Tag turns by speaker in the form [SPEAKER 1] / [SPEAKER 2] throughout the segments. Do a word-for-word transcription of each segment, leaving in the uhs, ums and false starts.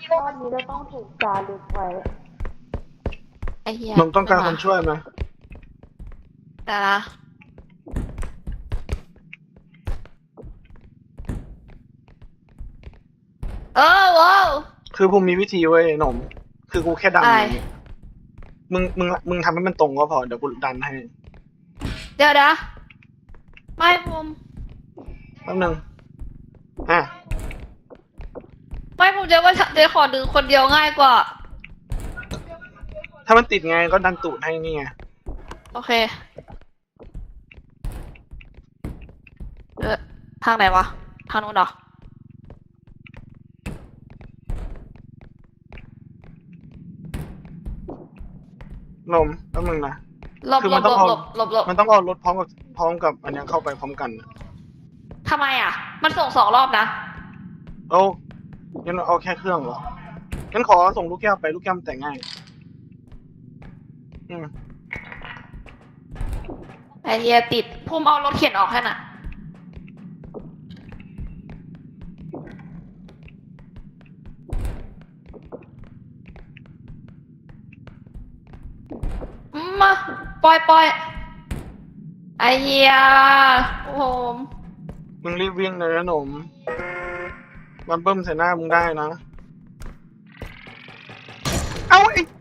[SPEAKER 1] รอบนี้เราต้องถูกจารึกไว้
[SPEAKER 2] ไอ้เหี้ย
[SPEAKER 3] มึงต้องการคนช่วยไหม
[SPEAKER 2] แต่ละเออว้าว
[SPEAKER 3] คือผมมีวิธีเว้ยหนม คือกูแค่ดัน
[SPEAKER 2] อะไร
[SPEAKER 3] อย่างเงี้ยมึงมึงมึงทำให้มันตรงก็พอเดี๋ยวกูดันให้
[SPEAKER 2] เดี๋ยวนะไม่ผม
[SPEAKER 3] แป๊บนึงอ่ะ
[SPEAKER 2] ไม่ผมจะว่าเดี๋ยวขอดึงคนเดียวง่ายกว่า
[SPEAKER 3] ถ้ามันติดไงก็ดันตูดให้นี่ไง
[SPEAKER 2] โอเค เออทางไหนวะ ทางนู้นเหรอ
[SPEAKER 3] นมแป๊บนึงนะ
[SPEAKER 2] หลบ
[SPEAKER 3] คือ
[SPEAKER 2] หล
[SPEAKER 3] มัน
[SPEAKER 2] บ
[SPEAKER 3] ต้อง
[SPEAKER 2] หลบ
[SPEAKER 3] เอา
[SPEAKER 2] หลบหลบหลบ
[SPEAKER 3] มันต้องเอารถพร้อมกับพร้อมกับอันเนี้ยเข้าไปพร้อมกัน
[SPEAKER 2] ทำไมอ่ะ มันส่งสองรอบนะ
[SPEAKER 3] เอางั้นเอาแค่เครื่องเหรองั้นขอส่งลูกแก้วไปลูกแก้วมันแต่งง่าย อืม
[SPEAKER 2] ไอเดียติดพุ่มเอารถเข็นออกแค่น่ะ มาปล่อยปล่อยไอเฮียโอ้โห
[SPEAKER 3] มึงรีบวิ่งเลยนะหนม มันเบิ้มใส่หน้ามึงได้นะ เอาไอ้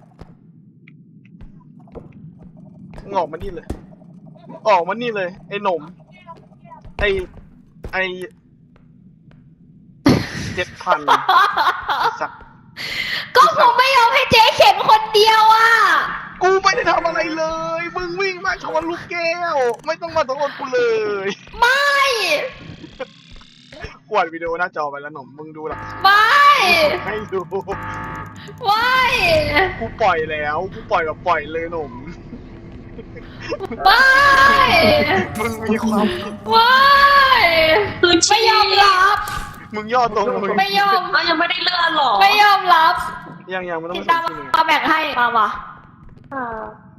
[SPEAKER 3] มึงออกมานี่เลย ออกมานี่เลย ไอ้หนม ไอ้ ไอ้เจ็ดพันสัก
[SPEAKER 2] ก็ผมไม่ยอมให้เจ๊เข็นคนเดียวอ่ะ
[SPEAKER 3] กูไม่ได้ทำอะไรเลย มึงวิ่งมาชนลูกแก้ว ไม่ต้องมาโทษกูเลย
[SPEAKER 2] ไม่
[SPEAKER 3] กวาดวิดีโอหน้าจอไปแล้วหนม มึงดูหลักฐาน
[SPEAKER 2] ไม่
[SPEAKER 3] ให้ดู
[SPEAKER 2] ไม่
[SPEAKER 3] กูปล่อยแล้ว กูปล่อยแบบปล่อยเลยหนม
[SPEAKER 2] ไม่
[SPEAKER 3] มึงมีความ
[SPEAKER 2] ไม่ไม่ยอมรับ
[SPEAKER 3] มึงย่อตรงมึง
[SPEAKER 2] ไม่ยอม
[SPEAKER 4] อ้าวยังไม่ได้เลื่อนหรอ
[SPEAKER 2] ไม่ยอมรับ
[SPEAKER 3] ยังยังมันต้อง
[SPEAKER 2] ติด
[SPEAKER 3] มา
[SPEAKER 2] ตาม
[SPEAKER 3] ส่งที่นี่
[SPEAKER 2] มาแบ่งให้มาว่ะ
[SPEAKER 1] อ่า